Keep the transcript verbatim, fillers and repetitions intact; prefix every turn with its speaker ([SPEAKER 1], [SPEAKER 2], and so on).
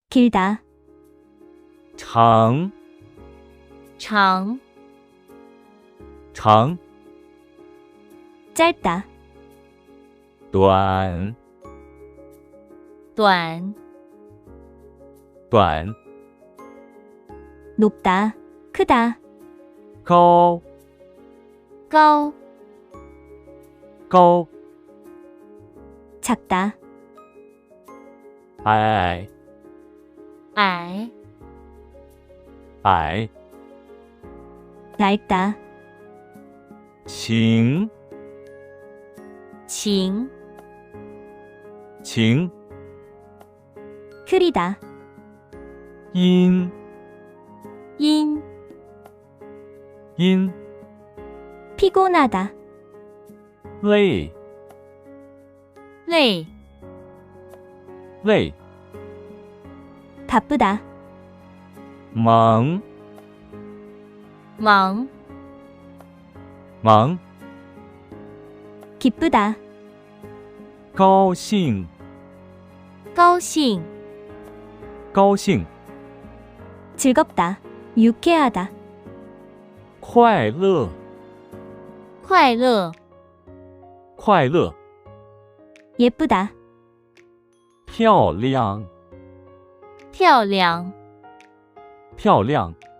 [SPEAKER 1] 길다,
[SPEAKER 2] 长
[SPEAKER 3] 长
[SPEAKER 2] 长
[SPEAKER 1] 짧다,
[SPEAKER 2] 短
[SPEAKER 3] 短
[SPEAKER 2] 短
[SPEAKER 1] 높다, 크다,
[SPEAKER 2] 高
[SPEAKER 3] 高
[SPEAKER 2] 高
[SPEAKER 1] 작다,
[SPEAKER 2] 矮
[SPEAKER 3] 矮
[SPEAKER 2] 矮
[SPEAKER 1] 낡다,
[SPEAKER 2] 晴
[SPEAKER 3] 晴
[SPEAKER 2] 晴
[SPEAKER 1] 흐리다,
[SPEAKER 2] 阴
[SPEAKER 3] 阴
[SPEAKER 2] 阴
[SPEAKER 1] 피곤하다,
[SPEAKER 2] 累
[SPEAKER 3] 累
[SPEAKER 2] 累
[SPEAKER 1] 바쁘다,
[SPEAKER 2] 忙
[SPEAKER 3] 忙
[SPEAKER 2] 忙
[SPEAKER 1] 기쁘다,
[SPEAKER 2] 高兴
[SPEAKER 3] 高兴
[SPEAKER 2] 高兴
[SPEAKER 1] 즐겁다, 유쾌하다,
[SPEAKER 2] 快乐
[SPEAKER 3] 快乐
[SPEAKER 2] 快乐
[SPEAKER 1] 예쁘다,
[SPEAKER 2] 漂亮
[SPEAKER 3] 漂亮
[SPEAKER 2] 漂亮